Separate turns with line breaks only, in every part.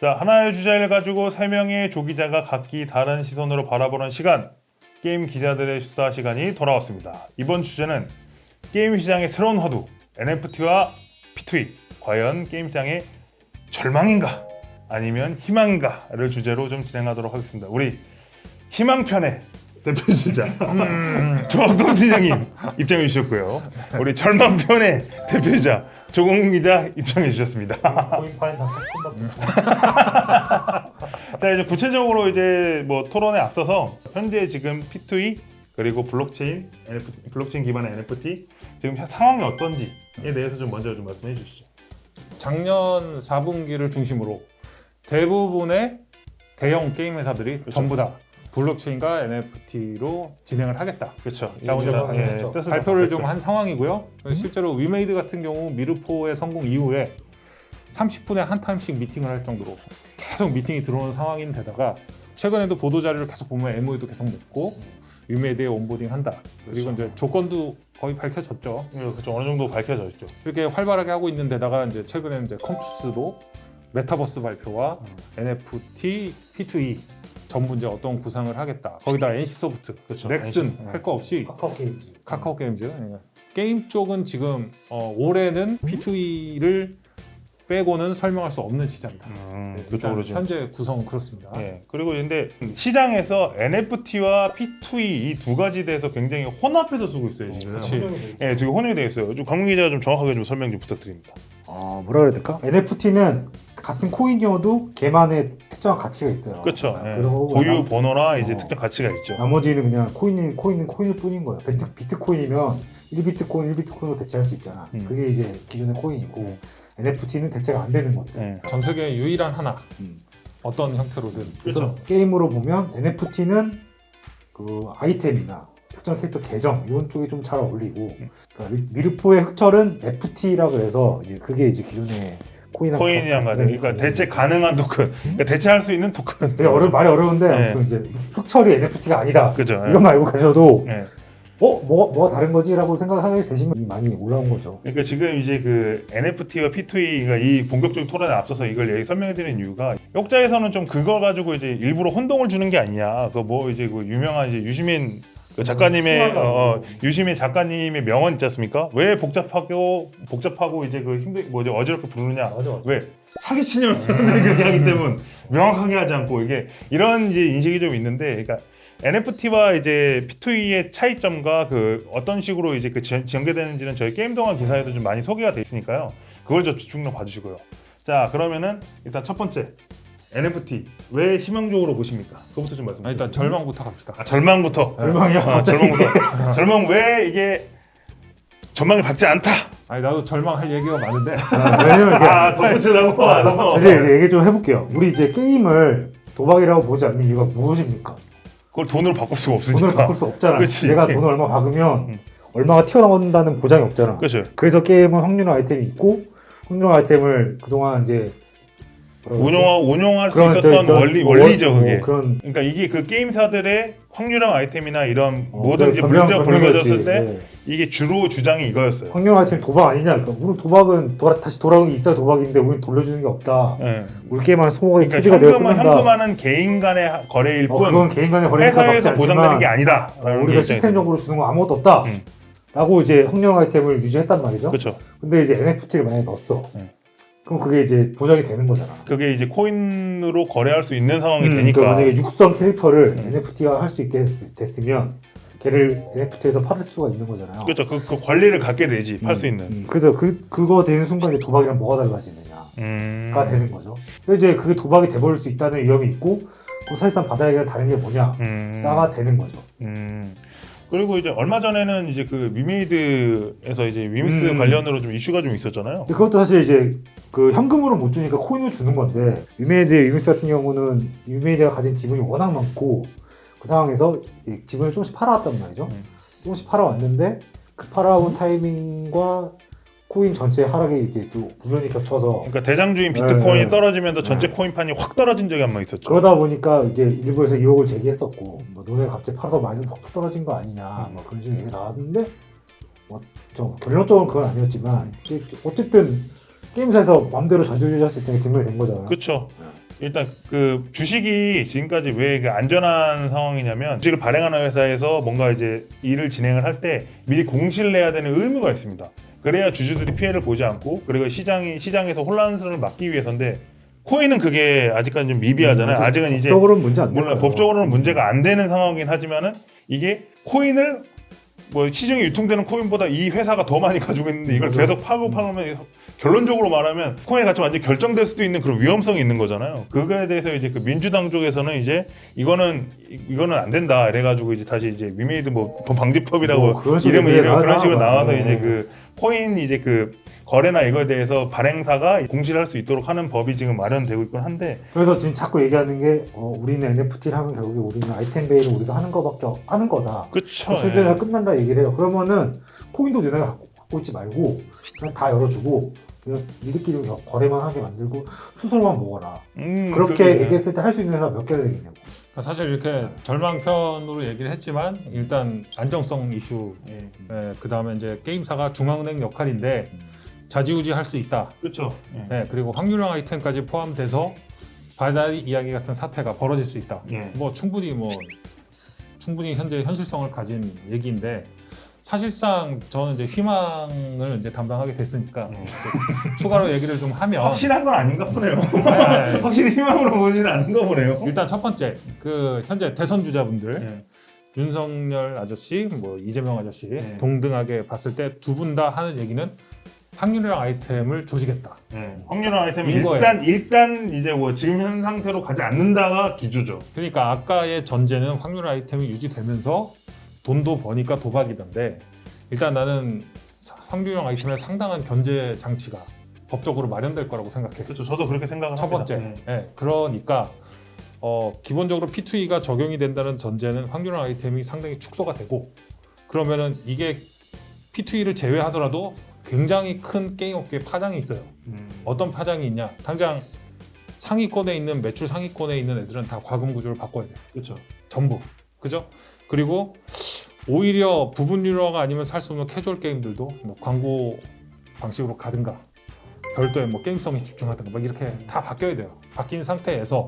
자, 하나의 주제를 가지고 3명의 조기자가 각기 다른 시선으로 바라보는 시간, 게임 기자들의 수다 시간이 돌아왔습니다. 이번 주제는 게임 시장의 새로운 화두, NFT와 P2E. 과연 게임 시장의 절망인가 아니면 희망인가를 주제로 좀 진행하도록 하겠습니다. 우리 희망편의 대표주자 조학동 팀장님 입장해 주셨고요. 우리 절망편의 대표주자 조공 기자 입장해 주셨습니다.
코인파인 다 사건밖에.
자, 이제 구체적으로 이제 뭐 토론에 앞서서 현재 지금 P2E 그리고 블록체인 NFT, 블록체인 기반의 NFT 지금 상황이 어떤지에 대해서 좀 먼저 좀 말씀해 주시죠.
작년 4분기를 중심으로 대부분의 대형 게임 회사들이
그렇죠.
전부 다 블록체인과 NFT로 진행을 하겠다.
그렇죠.
뜻을
발표를 좀 한 상황이고요. 실제로 위메이드 같은 경우 미르포의 성공 이후에 30분에 한 타임씩 미팅을 할 정도로 계속 미팅이 들어오는 상황인데다가 최근에도 보도 자료를 계속 보면 MOU도 계속 맺고 위메이드에 온보딩 한다. 그리고 이제 조건도 거의 밝혀졌죠.
그렇죠. 어느 정도 밝혀져 있죠.
이렇게 활발하게 하고 있는 데다가 이제 최근에 이제 컴투스도 메타버스 발표와 NFT, P2E 전부 이제 어떤 구상을 하겠다. 거기다 NC소프트,
그렇죠.
넥슨
NC.
할 거 없이
카카오 게임즈.
카카오 게임즈. 게임 쪽은 지금 올해는 P2E를 빼고는 설명할 수 없는 시장이다.
그쪽으로 지금.
현재 구성은 그렇습니다.
예. 그리고 근데 시장에서 NFT와 P2E 이 두 가지 대해서 굉장히 혼합해서 쓰고 있어요 지금.
그치.
예, 지금 혼용이 되어 있어요. 좀 강민 기자가 좀 정확하게 좀 설명 좀 부탁드립니다.
뭐라 그래야 될까? NFT는 같은 코인이어도 걔만의 특정한 가치가 있어요.
그렇죠. 예.
그리고
고유 번호나 이제
어.
특정 가치가 있죠.
나머지는 그냥 코인은 코인일 뿐인 거예요. 비트코인이면 1비트코인으로 대체할 수 있잖아. 그게 이제 기존의 코인이고 NFT는 대체가 안 되는 것들.
예.
전 세계 유일한 하나.
음.
어떤 형태로든.
그래서
그렇죠.
게임으로 보면 NFT는 그 아이템이나 특정 캐릭터 계정 이런 쪽이 좀 잘 어울리고 그러니까 미르포의 흑철은 FT라고 해서 이제 그게 이제 기존의
코인이랑 같은 그러니까 대체 가능한 토큰, 그러니까 대체할 수 있는 토큰.
되게 말이 어려운데
네.
아무튼 이제 흑철이 NFT가 아니다.
그죠.
이거 말고 계셔도
예.
뭐가 다른 거지라고 생각하게 되시면 많이 올라온 거죠.
그러니까 지금 이제 그 NFT와 P2E가 이 본격적인 토론에 앞서서 이걸 설명해드리는 이유가 역자에서는 좀 그거 가지고 이제 일부러 혼동을 주는 게 아니냐. 그 뭐 이제 그 유명한 이제 유시민 그 작가님의 유시민 작가님의 명언 있지 않습니까? 왜 복잡하고 이제 그 뭐죠 어지럽게 부르느냐?
맞아.
왜 사기치냐고 사람들이 그렇게 하기 때문에 명확하게 하지 않고 이게 이런 이제 인식이 좀 있는데, 그러니까 NFT와 이제 P2E의 차이점과 그 어떤 식으로 이제 그 전개되는지는 저희 게임 동안 기사에도 좀 많이 소개가 돼 있으니까요. 그걸 좀 집중적으로 봐주시고요. 자, 그러면은 일단 첫 번째 NFT 왜 희망적으로 보십니까? 그거부터 좀 말씀해 주세요.
일단 절망부터 갑시다.
절망부터.
절망이야.
절망부터. 절망 왜 이게 전망이 밝지 않다.
아니 나도 절망할 얘기가 많은데
왜냐면 이게
덧붙이려고.
이제 얘기 좀 해볼게요. 우리 이제 게임을 도박이라고 보지 않는 이유가 무엇입니까?
그걸 돈으로 바꿀 수가
돈을
없으니까.
바꿀 수 없잖아.
그치.
내가 돈을 얼마 박으면
음.
얼마가 튀어나온다는 보장이 없잖아.
그렇죠.
그래서 게임은 확률화 아이템이 있고 확률화 아이템을 그동안 이제
운용할 수 있었던 원리죠 그게.
그런
그러니까 이게 그 게임사들의 확률형 아이템이나 이런 뭐든지
변명-
문제가
변명이었지.
불거졌을 때
네.
이게 주로 주장이 이거였어요.
확률화 아이템 도박 아니냐? 그러니까 우리 도박은 다시 돌아오는 게 있어야 도박인데 우리 돌려주는 게 없다.
예.
우리 게임은 소모가
그러니까
투비가 되어
현금은
끝난다.
현금화는 개인 간의 거래일 뿐
그건 개인 간의 거래니까 막지
회사에서 보장되는 게
않지만
아니다.
우리가 시스템적으로 주는 건 아무것도 없다. 라고 이제 확률화 아이템을 유지했단 말이죠.
그렇죠.
근데 이제 NFT를 만약에 넣었어.
네.
그럼 그게 이제 보장이 되는 거잖아.
그게 이제 코인으로 거래할 수 있는 상황이
그러니까
되니까.
만약에 육성 캐릭터를 NFT가 할 수 있게 됐으면 걔를 NFT에서 팔을 수가 있는 거잖아요.
그렇죠. 그 권리를 갖게 되지 팔 수 있는.
그래서 그거 되는 순간 이제 도박이랑 뭐가 달라지느냐가 되는 거죠. 그래서 이제 그게 도박이 돼버릴 수 있다는 위험이 있고 그럼 사실상 바다에게 다른 게 뭐냐가 되는 거죠.
그리고 이제 얼마 전에는 이제 그 위메이드에서 이제 위믹스 관련으로 좀 이슈가 좀 있었잖아요.
근데 그것도 사실 이제 그 현금으로 못 주니까 코인을 주는 건데 위메이드의 위믹스 같은 경우는 위메이드가 가진 지분이 워낙 많고 그 상황에서 이 지분을 조금씩 팔아왔단 말이죠. 조금씩 팔아왔는데 그 팔아온 타이밍과 코인 전체 하락이 이제 또 우연히 겹쳐서
그러니까 대장주인 비트코인이
네.
떨어지면서 전체 코인판이 확 떨어진 적이 한 번 있었죠.
그러다 보니까 이제 일부에서 의혹을 제기했었고 뭐 너네 갑자기 팔아서 많이 확 떨어진 거 아니냐 뭐 그런 식의 얘기 나왔는데 뭐 좀 결론적으로 그건 아니었지만 어쨌든 게임사에서 마음대로 저주주셨을 때 증명이 된 거잖아요.
그렇죠. 일단 그 주식이 지금까지 왜 그 안전한 상황이냐면 주식을 발행하는 회사에서 뭔가 이제 일을 진행을 할 때 미리 공시를 내야 되는 의무가 있습니다. 그래야 주주들이 피해를 보지 않고 그리고 시장에서 혼란스러움을 막기 위해서인데 코인은 그게 아직까지 좀 미비하잖아요. 아직은 이제
법적으로는 문제 안
물론
돼요.
법적으로는 문제가 안 되는 상황이긴 하지만은 이게 코인을 뭐 시중에 유통되는 코인보다 이 회사가 더 많이 가지고 있는데 이걸
맞아요.
계속 파면 결론적으로 말하면 코인의 가치가 완전히 결정될 수도 있는 그런 위험성이 있는 거잖아요. 그거에 대해서 이제 그 민주당 쪽에서는 이제 이거는 안 된다 이래가지고 이제 다시 이제 위메이드 뭐 방지법이라고
그런 식으로
그런 식으로 나와서
네.
이제 그 코인 이제 그 거래나 이거에 대해서 발행사가 공시를 할 수 있도록 하는 법이 지금 마련되고 있긴 한데
그래서 지금 자꾸 얘기하는 게 우리는 NFT를 하면 결국에 우리는 아이템 베이를 우리가 하는 거다.
그쵸.
그 수준에서 끝난다 얘기를 해요. 그러면은 코인도 너네가 갖고 있지 말고 그냥 다 열어주고 그냥 니들끼리 거래만 하게 만들고 수수료만 먹어라. 그렇게
그게,
얘기했을 때 할 수 있는 회사 몇 개를 되겠냐고.
사실 이렇게 절망편으로 얘기를 했지만 일단 안정성 이슈,
예.
그 다음에 이제 게임사가 중앙은행 역할인데 좌지우지 할 수 있다.
그렇죠.
그리고 확률형 아이템까지 포함돼서 바다리 이야기 같은 사태가 벌어질 수 있다.
예.
충분히 현재 현실성을 가진 얘기인데 사실상 저는 이제 희망을 이제 담당하게 됐으니까 추가로 얘기를 좀 하면
확실한 건 아닌가 보네요.
네.
확실히 희망으로 보지는 않은가 보네요.
일단 첫 번째 그 현재 대선 주자분들
예.
윤석열 아저씨, 뭐 이재명 아저씨
네.
동등하게 봤을 때 두 분 다 하는 얘기는 확률형 아이템을 조지겠다.
확률형 아이템은
인 거예요.
일단 이제 뭐 지금 현 상태로 가지 않는다가 기조죠.
그러니까 아까의 전제는 확률 아이템이 유지되면서 돈도 버니까 도박이던데 일단 나는 확률형 아이템에 상당한 견제 장치가 법적으로 마련될 거라고 생각해.
그렇죠. 저도 그렇게 생각을
첫
합니다.
번째, 그러니까 기본적으로 P2E가 적용이 된다는 전제는 확률형 아이템이 상당히 축소가 되고 그러면은 이게 P2E를 제외하더라도 굉장히 큰 게임 업계에 파장이 있어요. 어떤 파장이 있냐? 당장 상위권에 있는 매출 상위권에 있는 애들은 다 과금 구조를 바꿔야 돼요.
그렇죠.
전부. 그죠? 그리고 오히려 부분 유료화가 아니면 살 수 없는 캐주얼 게임들도 뭐 광고 방식으로 가든가 별도의 뭐 게임성에 집중하든가 막 이렇게 다 바뀌어야 돼요. 바뀐 상태에서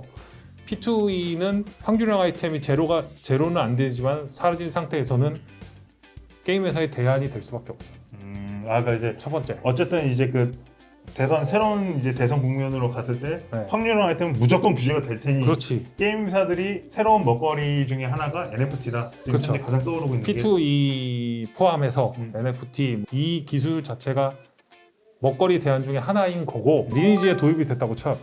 P2E는 확률형 아이템이 제로는 안 되지만 사라진 상태에서는 게임 회사의 대안이 될 수밖에 없어요.
그러니까 이제
첫 번째.
어쨌든 이제 그 새로운 이제 대선 국면으로 갔을 때
네.
확률형 아이템은 무조건 규제가 될 테니
그렇지.
게임사들이 새로운 먹거리 중에 하나가 NFT다. 지금
그렇죠.
현재 가장 떠오르고 있는 게
P2E 포함해서 NFT 이 기술 자체가 먹거리 대안 중에 하나인 거고 리니지에 도입이 됐다고 쳐요.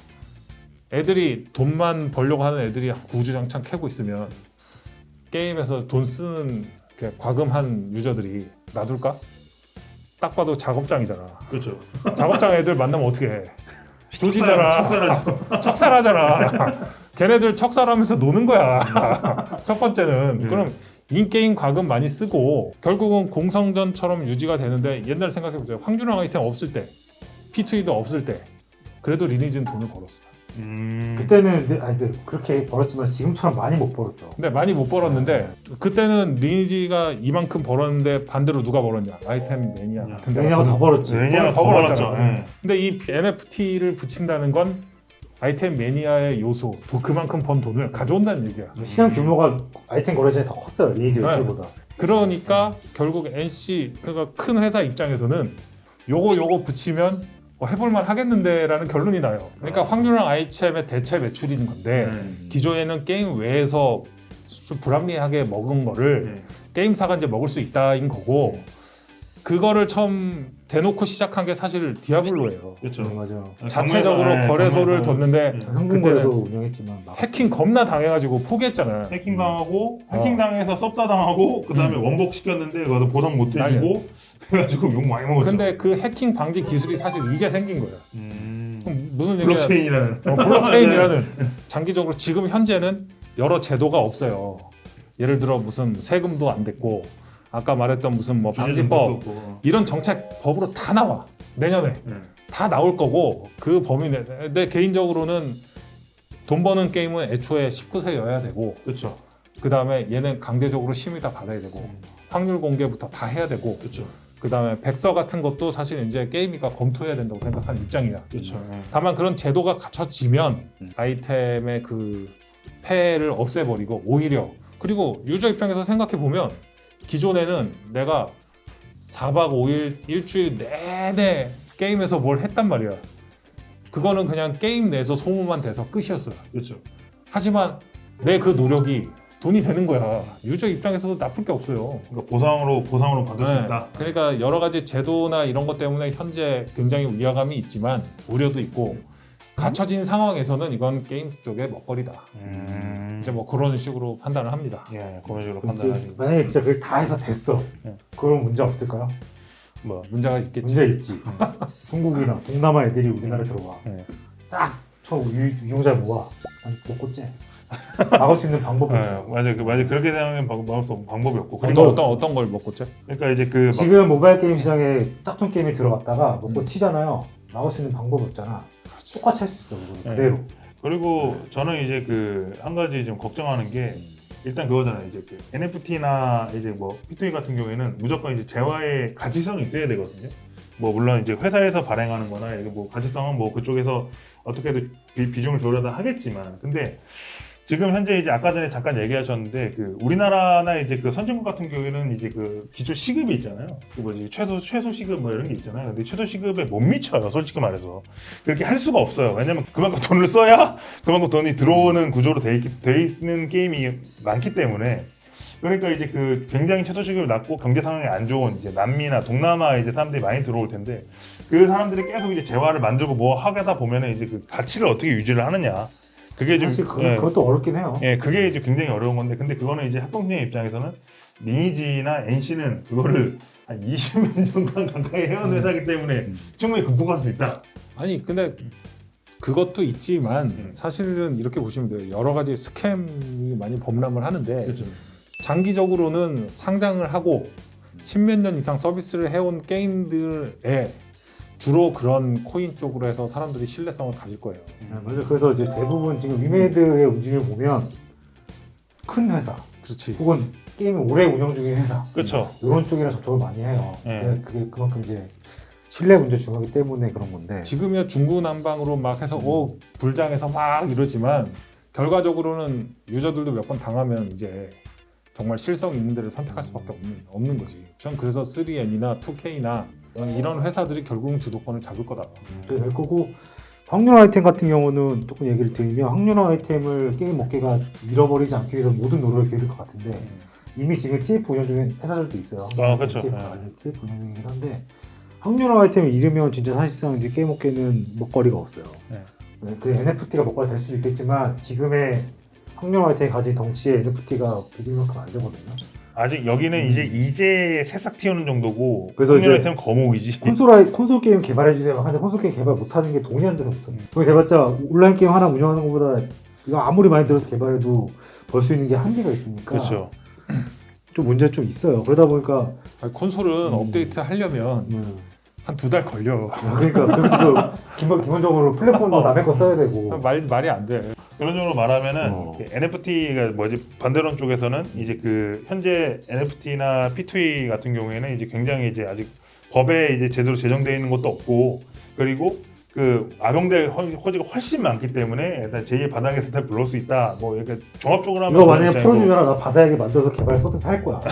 애들이 돈만 벌려고 하는 애들이 구주장창 캐고 있으면 게임에서 돈 쓰는 과금한 유저들이 놔둘까? 딱 봐도 작업장이잖아.
그렇죠.
작업장 애들 만나면 어떻게 해? 조지잖아. 척살하잖아. 걔네들 척살하면서 노는 거야. 첫 번째는 그럼 인게임 과금 많이 쓰고 결국은 공성전처럼 유지가 되는데 옛날 생각해보세요. 확률형 아이템 없을 때 P2E도 없을 때 그래도 리니지는 돈을 벌었어.
그때는 근데 그렇게 벌었지만 지금처럼 많이 못 벌었죠.
근데 많이 못 벌었는데 그때는 리니지가 이만큼 벌었는데 반대로 누가 벌었냐? 아이템 매니아 같은 데가
왜냐면 더 벌었지.
왜냐면
더 벌었잖아.
벌었죠.
근데 이 NFT를 붙인다는 건 아이템 매니아의 요소, 또 그만큼 번 돈을 가져온다는 얘기야.
시장 규모가 아이템 거래 전에 더 컸어요. 리니지 매출보다.
그러니까 결국 NC 그러니까 큰 회사 입장에서는 요거 붙이면 해볼만 하겠는데라는 결론이 나요. 그러니까 확률형 아이템의 대체 매출인 건데 기존에는 게임 외에서 불합리하게 먹은 거를 게임사가 이제 먹을 수 있다인 거고 그거를 처음 대놓고 시작한 게 사실 디아블로예요.
그렇죠.
맞아.
자체적으로 거래소를 뒀는데
한국 거래소 운영했지만
해킹 겁나 당해가지고 포기했잖아요.
해킹 당하고 해킹 당해서 섭다 당하고 그다음에 원복 시켰는데 그거 보상 못 해주고 그래가지고 욕 많이 먹었죠.
근데 그 해킹 방지 기술이 사실 이제 생긴 거예요. 그럼 무슨 얘기야?
블록체인이라는
블록체인이라는 장기적으로 지금 현재는 여러 제도가 없어요. 예를 들어 무슨 세금도 안 됐고 아까 말했던 무슨 뭐 방지법 이런 정책 법으로 다 나와 내년에 다 나올 거고 그 범위 내 개인적으로는 돈 버는 게임은 애초에 19세여야 되고
그렇죠.
그 다음에 얘는 강제적으로 심의 다 받아야 되고 확률 공개부터 다 해야 되고
그렇죠.
그다음에 백서 같은 것도 사실 이제 게임이가 검토해야 된다고 생각하는 입장이야.
그렇죠.
다만 그런 제도가 갖춰지면 아이템의 그 폐해를 없애버리고 오히려 그리고 유저 입장에서 생각해 보면 기존에는 내가 4박 5일 일주일 내내 게임에서 뭘 했단 말이야. 그거는 그냥 게임 내에서 소모만 돼서 끝이었어요.
그렇죠.
하지만 내 그 노력이 돈이 되는 거야. 유저 입장에서도 나쁠 게 없어요.
그러니까 보상으로 받을 수
네.
있다.
그러니까 여러 가지 제도나 이런 것 때문에 현재 굉장히 위화감이 있지만 우려도 있고 갖춰진 상황에서는 이건 게임 쪽의 먹거리다. 이제 뭐 그런 식으로 판단을 합니다.
예, 그런 식으로
그럼
판단하지.
만약에 진짜 그걸 다 해서 됐어.
네.
그럼 문제 없을까요?
뭐 문제가 있겠지.
문제 있지. 중국이나 동남아 애들이 우리나라에 들어와.
네.
싹 유용자 모아. 난 먹고 째. 막을 수 있는 방법이
네,
없어.
맞아 그렇게 생각하면 막을 수 없는 방법이 없고.
어떤 걸 먹고 째?
그러니까 이제 그
지금 모바일 게임 시장에 짝퉁 게임이 들어갔다가 먹고 치잖아요. 막을 수 있는 방법이 없잖아. 똑같이 할 수 있어. 그거는 그대로.
그리고 저는 이제 그 한 가지 좀 걱정하는 게 일단 그거잖아요. 이제 그 NFT나 이제 뭐 P2E 같은 경우에는 무조건 이제 재화의 가치성이 있어야 되거든요. 뭐 물론 이제 회사에서 발행하는-거나 이게 뭐 가치성은 뭐 그쪽에서 어떻게든 비중을 조절하다 하겠지만, 근데 지금 현재 이제 아까 전에 잠깐 얘기하셨는데 그 우리나라나 이제 그 선진국 같은 경우에는 이제 그 기초 시급이 있잖아요. 그 뭐지 최소 시급 뭐 이런 게 있잖아요. 근데 최소 시급에 못 미쳐요. 솔직히 말해서 그렇게 할 수가 없어요. 왜냐면 그만큼 돈을 써야 그만큼 돈이 들어오는 구조로 돼 있는 게임이 많기 때문에. 그러니까 이제 그 굉장히 최소 시급이 낮고 경제 상황이 안 좋은 이제 남미나 동남아 이제 사람들이 많이 들어올 텐데 그 사람들이 계속 이제 재화를 만들고 뭐 하다 보면은 이제 그 가치를 어떻게 유지를 하느냐. 그게 좀
사실 그것도 어렵긴 해요.
예, 그게 이제 굉장히 어려운 건데, 근데 그거는 이제 학동생의 입장에서는 리니지나 NC는 그거를 한 20년 정도 가까이 해온 회사이기 때문에 충분히 극복할 수 있다.
아니 근데 그것도 있지만 사실은 이렇게 보시면 돼요. 여러 가지 스캠이 많이 범람을 하는데
그렇죠.
장기적으로는 상장을 하고 10몇 년 이상 서비스를 해온 게임들에 주로 그런 코인 쪽으로 해서 사람들이 신뢰성을 가질 거예요.
맞아요. 그래서 이제 대부분 지금 위메이드의 움직임을 보면 큰 회사
그렇지.
혹은 게임을 오래 운영 중인 회사
그렇죠.
이런 쪽이랑 접촉을 많이 해요.
네.
그게 그만큼 이제 신뢰 문제 중요하기 때문에 그런 건데.
지금이야 중구난방으로 막 해서 불장해서 막 이러지만 결과적으로는 유저들도 몇 번 당하면 이제 정말 실성 있는 데를 선택할 수밖에 없는 거지. 전 그래서 3N이나 2K나 이런 회사들이 결국은 주도권을 잡을 거다.
그게 될 거고, 확률화 아이템 같은 경우는 조금 얘기를 드리면 확률화 아이템을 게임 업계가 잃어버리지 않기 위해서 모든 노력을 기울일 것 같은데 이미 지금 TF 운영 중인 회사들도 있어요.
아, 그렇죠.
TF 운영 중이긴 한데 확률화 아이템을 잃으면 진짜 사실상 이제 게임 업계는 먹거리가 없어요.
네.
그 NFT가 먹거리 될 수도 있겠지만 지금의 확률화 아이템이 가진 덩치에 NFT가 비빌 만큼 안 되거든요.
아직 여기는 이제 새싹 튀어는 정도고,
그래서
확률
이제
아이템 거목이지.
콘솔 게임 개발해 주세요. 하는데 콘솔 게임 개발 못하는 게 돈이 안 돼서 못해요. 거기 대봤자 온라인 게임 하나 운영하는 것보다 이거 아무리 많이 들어서 개발해도 벌 수 있는 게 한계가 있으니까
그렇죠.
좀 문제 좀 있어요. 그러다 보니까
아니, 콘솔은 업데이트 하려면 한 2달 걸려.
그러니까 기본적으로 플랫폼도 남의 거 써야 되고.
말이 안 돼.
그런 쪽으로 말하면은 NFT가 뭐지, 반대론 쪽에서는 이제 그 현재 NFT나 P2E 같은 경우에는 이제 굉장히 이제 아직 법에 이제 제대로 제정되어 있는 것도 없고, 그리고 그 악용될 허지가 훨씬 많기 때문에 일단 제2의 바닥의 사태를 불러올 수 있다. 뭐 이렇게 종합적으로 하면
이거 만약에 풀어주잖아. 나 바다에게 만들어서 개발 서비스 할 거야.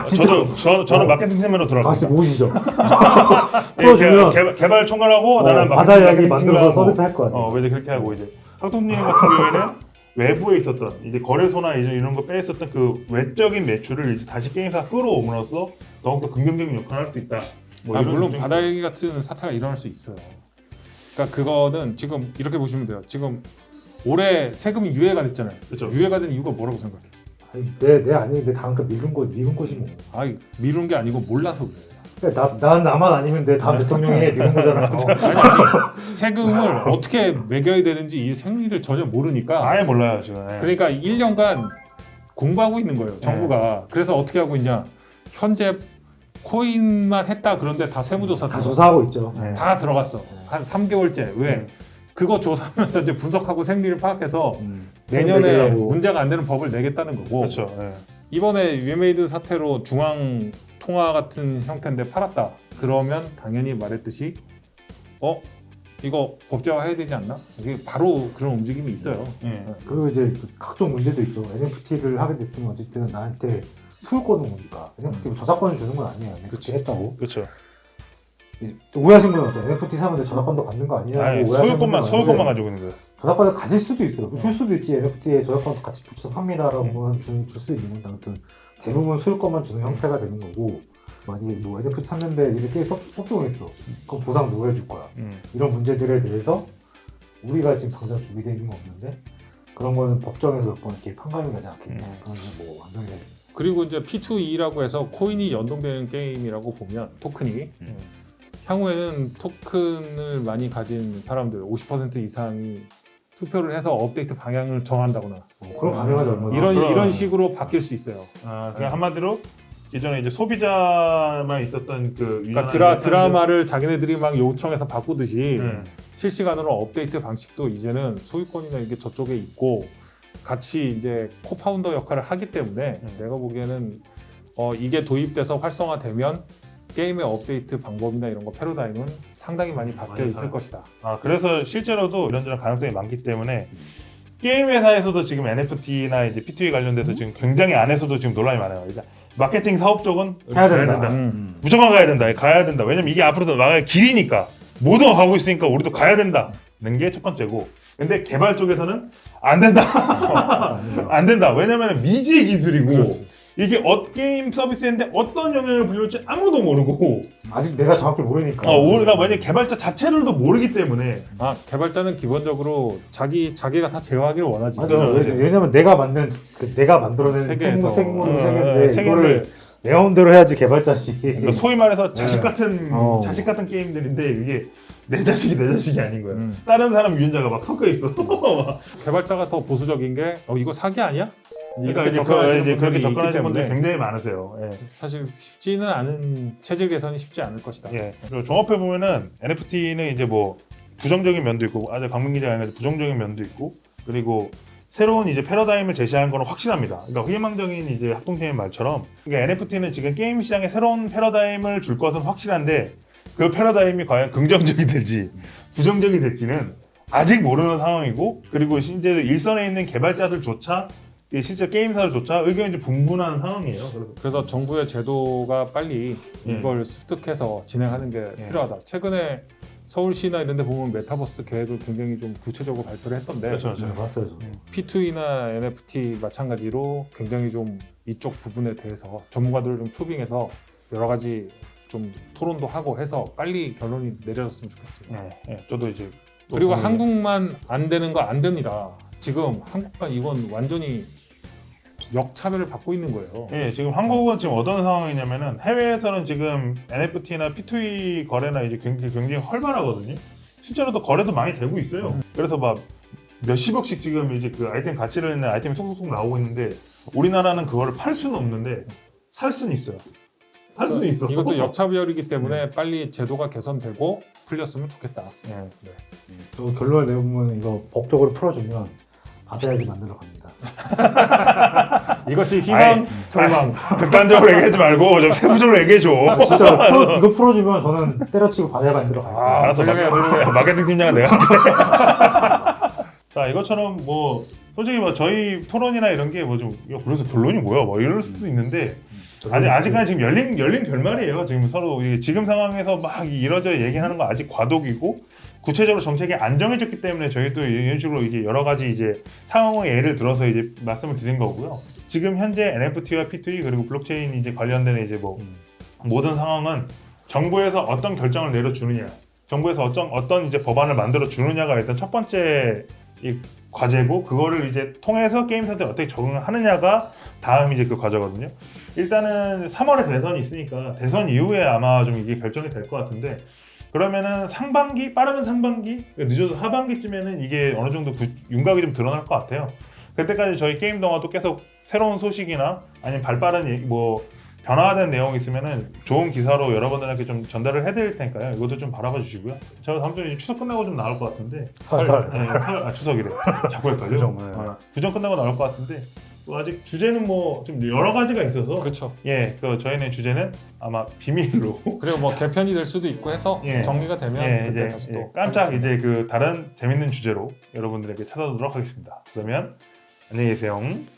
저는 마케팅팀으로 들어갈
같이
거예요.
모시죠.
예,
풀어주면
개발 총괄하고 나는
바다 이야기
마케팅
만들어서
팀하고,
서비스 할 거야.
이제 그렇게 하고 이제 학동님 같은 경우에는 외부에 있었던 이제 거래소나 이제 이런 거 빼있었던 그 외적인 매출을 이제 다시 게임사 끌어옴으로써 더욱더 긍정적인 역할을 할 수 있다. 뭐 이런
물론
좀-
바다 얘기 같은 사태가 일어날 수 있어요. 그러니까 그거는 지금 이렇게 보시면 돼요. 지금 올해 세금이 유예가 됐잖아요.
그렇죠.
유예가 된 이유가 뭐라고 생각해?
아니, 내 아니 내 다음 거 미룬 거지 뭐.
아, 미룬 게 아니고 몰라서 그래요.
그러니까 난 나만 아니면 내 다음 대통령이 미룬 거잖아.
아니, 세금을 어떻게 매겨야 되는지 이 생리를 전혀 모르니까
아예 몰라요 지금. 예.
그러니까 1년간 공부하고 있는 거예요. 정부가. 그래서 어떻게 하고 있냐? 현재 코인만 했다 그런데 다 세무조사
다
들어갔어.
조사하고 있죠.
네.
다 들어갔어. 한 3개월째. 왜? 그거 조사하면서 이제 분석하고 생리를 파악해서 내년에
내려고.
문제가 안 되는 법을 내겠다는 거고.
그렇죠. 예.
이번에 위메이드 사태로 중앙 통화 같은 형태인데 팔았다. 그러면 당연히 말했듯이 이거 법제화해야 되지 않나? 이게 바로 그런 움직임이 있어요.
예.
그리고 이제 그 각종 문제도 있죠. NFT를 하게 됐으면 어쨌든 나한테 소유권은 오니까 NFT 저작권을 주는 건 아니에요. NFT 했다고.
그렇죠.
또 오해하신 분은 어때요? NFT 사면 저작권도 받는 거 아니냐고
아니,
오해하시는 분은
소유권만
많은데
가지고 있는 거예요.
저작권을 가질 수도 있어요. 줄 수도 있지. NFT에 저작권 같이 붙여서 팝니다라고 줄 수도 있는데 아무튼 대부분 소유권만 주는 형태가 되는 거고 만약에 뭐 NFT 샀는데 이렇게 섭종했어. 그럼 보상 누가 해줄 거야? 이런 문제들에 대해서 우리가 지금 당장 준비되어 있는 건 없는데 그런 거는 법정에서 몇 번 이렇게 판가름이 가지 않겠냐. 그런 뭐 완전히
그리고 이제 P2E라고 해서 코인이 연동되는 게임이라고 보면 토큰이 향후에는 토큰을 많이 가진 사람들 50% 이상이 투표를 해서 업데이트 방향을 정한다거나
그런 가능하지 얼마나
이런 식으로 바뀔 수 있어요.
그냥 한마디로 예전에 이제 소비자만 있었던 그
그러니까 드라마를 자기네들이 막 요청해서 바꾸듯이
네.
실시간으로 업데이트 방식도 이제는 소유권이나 이게 저쪽에 있고 같이 이제 코파운더 역할을 하기 때문에 내가 보기에는 이게 도입돼서 활성화되면 게임의 업데이트 방법이나 이런 거 패러다임은 상당히 많이 바뀌어 있을 것이다.
그래서 실제로도 이런저런 가능성이 많기 때문에 게임 회사에서도 지금 NFT나 이제 P2E 관련돼서 지금 굉장히 안에서도 지금 논란이 많아요. 일단 마케팅 사업 쪽은
해야 된다.
무조건 가야 된다. 왜냐면 이게 앞으로도 나갈 길이니까 모두가 가고 있으니까 우리도 가야 된다는 게 첫 번째고. 근데 개발 쪽에서는 안 된다. 안 된다. 왜냐면 미지의 기술이고
그렇지.
이게 게임 서비스인데 어떤 영향을 불릴지 아무도 모르고
아직 내가 정확히 모르니까.
우리가 만약 개발자 자체를도 모르기 때문에
개발자는 기본적으로 자기가 다 제어하기를 원하지.
맞아. 왜냐면 내가 만들어낸
세계에서.
세계인데 이거를 내 마음대로 해야지 개발자지.
그러니까 소위 말해서 자식
네.
같은 게임들인데 이게 내 자식이 아닌 거야. 다른 사람 유전자가 막 섞여 있어.
개발자가 더 보수적인 게 이거 사기 아니야?
그러니까
이렇게
이제
접근하시는
그렇게
분들이 있기
접근하시는 분들이
때문에
굉장히 많으세요. 예.
사실 쉽지는 않은 체질 개선이 쉽지 않을 것이다.
예. 그리고 종합해 보면은 NFT는 이제 뭐 부정적인 면도 있고 아주 강민 기자가 얘기한 부정적인 면도 있고 그리고 새로운 이제 패러다임을 제시하는 거는 확실합니다. 그러니까 희망적인 이제 학동팀의 말처럼 그러니까 NFT는 지금 게임 시장에 새로운 패러다임을 줄 것은 확실한데 그 패러다임이 과연 긍정적이 될지 부정적이 될지는 아직 모르는 상황이고 그리고 실제 일선에 있는 개발자들조차 실제 게임사들조차 의견이 좀 분분한 상황이에요.
그래서 정부의 제도가 빨리
예.
이걸 습득해서 진행하는 게
예.
필요하다. 최근에 서울시나 이런 데 보면 메타버스 계획을 굉장히 좀 구체적으로 발표를 했던데
그렇죠.
네, 봤어요. 저도.
P2E나 NFT 마찬가지로 굉장히 좀 이쪽 부분에 대해서 전문가들을 좀 초빙해서 여러 가지 좀 토론도 하고 해서 빨리 결론이 내려졌으면 좋겠습니다.
저도 이제
그리고 한국만 안 되는 거 안 됩니다. 지금 한국만 이건 완전히 역차별을 받고 있는 거예요.
예, 지금 한국은 지금 어떤 상황이냐면은 해외에서는 지금 NFT나 P2E 거래나 이제 굉장히 활발하거든요. 실제로도 거래도 많이 되고 있어요. 그래서 막 몇십억씩 지금 이제 그 아이템 가치를 있는 아이템이 속속속 나오고 있는데 우리나라는 그거를 팔 수는 없는데 살 수는 있어요. 살 수는 있어.
이것도 역차별이기 때문에 빨리 제도가 개선되고 풀렸으면 좋겠다.
예.
또 결론을 내보면 이거 법적으로 풀어주면 받아야지 만들어 갑니다.
이것이 희망,
아이,
절망.
극단적으로 얘기하지 말고 좀 세부적으로 얘기해줘.
진짜 이거 풀어주면 저는 때려치고 받아야 만들어 갈게요.
알았어.
훌륭해.
마케팅 팀장은 내가 할게. 자, 이것처럼 뭐 솔직히 뭐 저희 토론이나 이런 게 뭐 좀 그래서 결론이 뭐야? 뭐 이럴 수도 있는데 아직까지 지금 열린 결말이에요. 지금 서로 지금 상황에서 막 이러저 얘기하는 거 아직 과도기고 구체적으로 정책이 안 정해졌기 때문에 저희도 이런 식으로 이제 여러 가지 이제 상황의 예를 들어서 이제 말씀을 드린 거고요. 지금 현재 NFT와 P2E 그리고 블록체인 이제 관련된 이제 뭐 모든 상황은 정부에서 어떤 결정을 내려주느냐, 정부에서 어떤 이제 법안을 만들어 주느냐가 일단 첫 번째 이 과제고 그거를 이제 통해서 게임사들이 어떻게 적응을 하느냐가 다음 이제 그 과제거든요. 일단은 3월에 대선이 있으니까 대선 이후에 아마 좀 이게 결정이 될 것 같은데 그러면은 상반기 빠르면 상반기 늦어도 하반기쯤에는 이게 어느 정도 윤곽이 좀 드러날 것 같아요. 그때까지 저희 게임 동화도 계속 새로운 소식이나 아니면 발빠른 뭐 변화된 내용이 있으면은 좋은 기사로 여러분들에게 좀 전달을 해드릴 테니까요. 이것도 좀 바라봐 주시고요. 저 다음 주에 추석 끝나고 좀 나올 것 같은데.
설.
추석이래. 자꾸 헷갈려.
구정, 네.
구정 끝나고 나올 것 같은데. 뭐 아직 주제는 뭐 좀 여러 가지가 있어서
그렇죠.
예, 그 저희는 주제는 아마 비밀로
그리고 뭐 개편이 될 수도 있고 해서
예.
정리가 되면
예,
그때
이제
다시 또
깜짝
하겠습니다.
이제 그 다른 재밌는 주제로 여러분들에게 찾아오도록 하겠습니다. 그러면 안녕히 계세요.